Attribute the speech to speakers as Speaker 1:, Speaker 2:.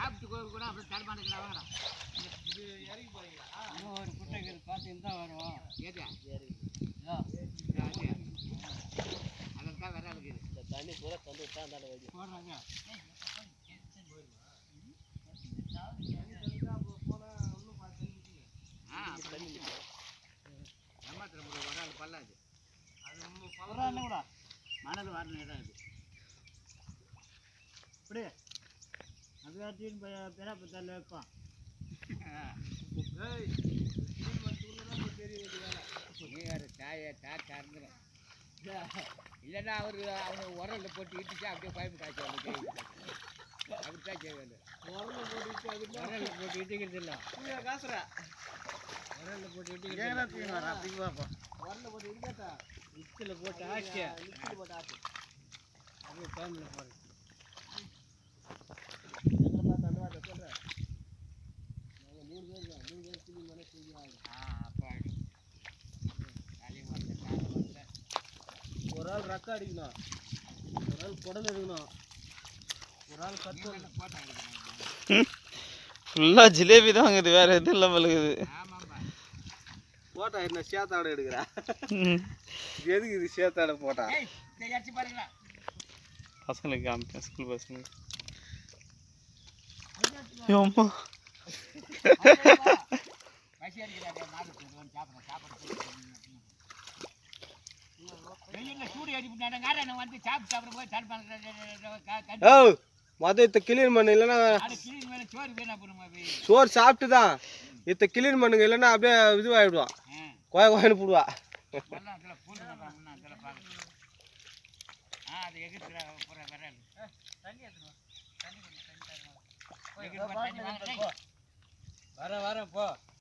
Speaker 1: சாப்பிட்டு கூட அப்படியே தடுமாட்டேங்கிறாங்க. இது இறங்கி போறீங்களா? இன்னும் ஒரு குட்டைகள் பார்த்துன்னு தான் வரும். ஏதா அதற்காக வேற இருக்குது. இந்த தண்ணி பூரா தந்து விட்டா அந்த வழி போடுறாங்க. ஏமாத்திரம் வராது பல்லாது. அது கூட மணல் வரணும் இடம் இது. இப்படி அது வாட்டின்னு பெறாப்பத்தால் வைப்பான். இல்லைன்னா அவங்க உரல்ல போட்டு இட்டுச்சு அப்படியே பைப்பு காய்ச்சி அப்படித்தான் செய்வாங்க. உரல்ல போட்டு இட்டுக்கிறது இல்லை. காசுரா உரல்ல போட்டு இட்டுக்கிறது உரல்ல போட்டு இடிக்காட்டா மிக்சியில் போட்டு ஆச்சு மிக்சியில் போட்டு ஆச்சு அப்படியே டைமில் போடுறது. எங்களை பார்த்து அந்த வார்த்தை சொல்கிறேன். நாங்கள் 3 பேர் தான் 3 பேர் துணி மேலே தூங்கி ஆகும். அப்போ ஒரு ஆள் ரக்க அடிக்கணும், ஒரு ஆள் குடல் எடுக்கணும், ஒரு ஆள் கட்டு போட்டா எடுக்கணும்.
Speaker 2: ஃபுல்லாக ஜிலேபி தான் வாங்குது, வேற எதுவும் இல்லை பழகுது.
Speaker 1: போட்டா என்ன சேத்தாடை எடுக்கிறா? எதுக்கு இது சேத்தாடை போட்டா?
Speaker 2: பசங்களுக்கு காமிப்பேன், ஸ்கூல் பசங்களுக்கு. அம்மா
Speaker 1: மொதல் கிளீன் பண்ணு, இல்லைன்னா சோறு சாப்பிட்டு தான் இத்த கிளீன் பண்ணுங்க, இல்லைன்னா அப்படியே இதுவாகிடுவான், கோயின்னு போடுவா. வர போ.